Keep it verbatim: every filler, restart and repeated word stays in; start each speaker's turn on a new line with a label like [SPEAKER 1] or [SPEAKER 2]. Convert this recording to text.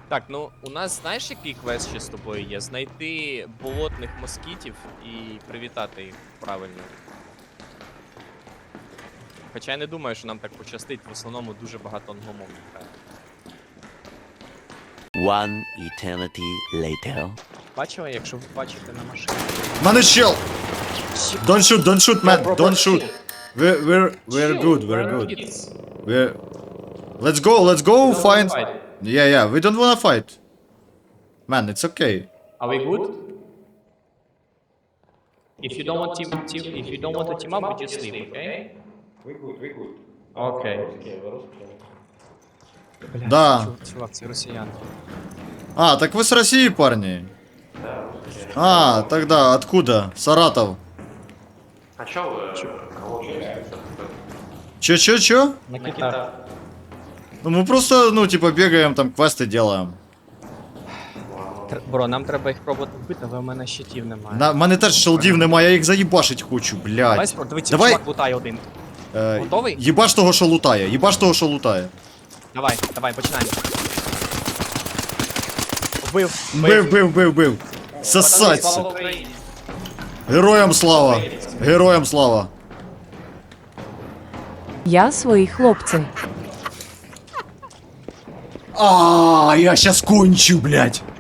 [SPEAKER 1] Так, ну у нас знаєш, який квест ще з тобою є? Знайти болотних москітів і привітати їх правильно. Хоча я не думаю, що нам так пощастить, в основному дуже багато англомовних грає.
[SPEAKER 2] One eternity later.
[SPEAKER 1] Бачила, якщо ви бачите на машині.
[SPEAKER 3] Мене чел! Don't shoot, don't shoot, man, don't shoot. We're, we're, we're good, we're good. We're... Let's go, let's go find... Yeah, yeah, we don't wanna fight. Man, it's okay.
[SPEAKER 1] Are we good? If you don't want team, team if you don't want to team up, we just leave, okay?
[SPEAKER 4] We good, we good.
[SPEAKER 1] Okay.
[SPEAKER 3] Да.
[SPEAKER 1] Чувак, це росіяни.
[SPEAKER 3] А, так вы с России, парни? А, тогда откуда? Саратов.
[SPEAKER 4] А чё вы? Кого учились?
[SPEAKER 3] Чё-чё-чё?
[SPEAKER 1] На китах.
[SPEAKER 3] Ну мы просто, ну, типа, бегаем, там, квесты делаем.
[SPEAKER 1] Бро, нам треба їх пробувати вбити, але в мене щитів немає.
[SPEAKER 3] На, в мене теж шелдів немає, я їх заїбашить хочу,
[SPEAKER 1] Давай
[SPEAKER 3] блядь.
[SPEAKER 1] спро... Дивіться,
[SPEAKER 3] Давай.
[SPEAKER 1] чувак лутає один.
[SPEAKER 3] Е,
[SPEAKER 1] Готовий?
[SPEAKER 3] Їбаш того, що лутає, їбаш того, що лутає.
[SPEAKER 1] Давай, давай, починаємо. Вбив,
[SPEAKER 3] Бив, бив, бив, бив. Сосать.
[SPEAKER 1] Слава Україні.
[SPEAKER 3] Героям слава. Героям слава.
[SPEAKER 5] Я свої хлопці.
[SPEAKER 3] А, я щас кончу, блядь.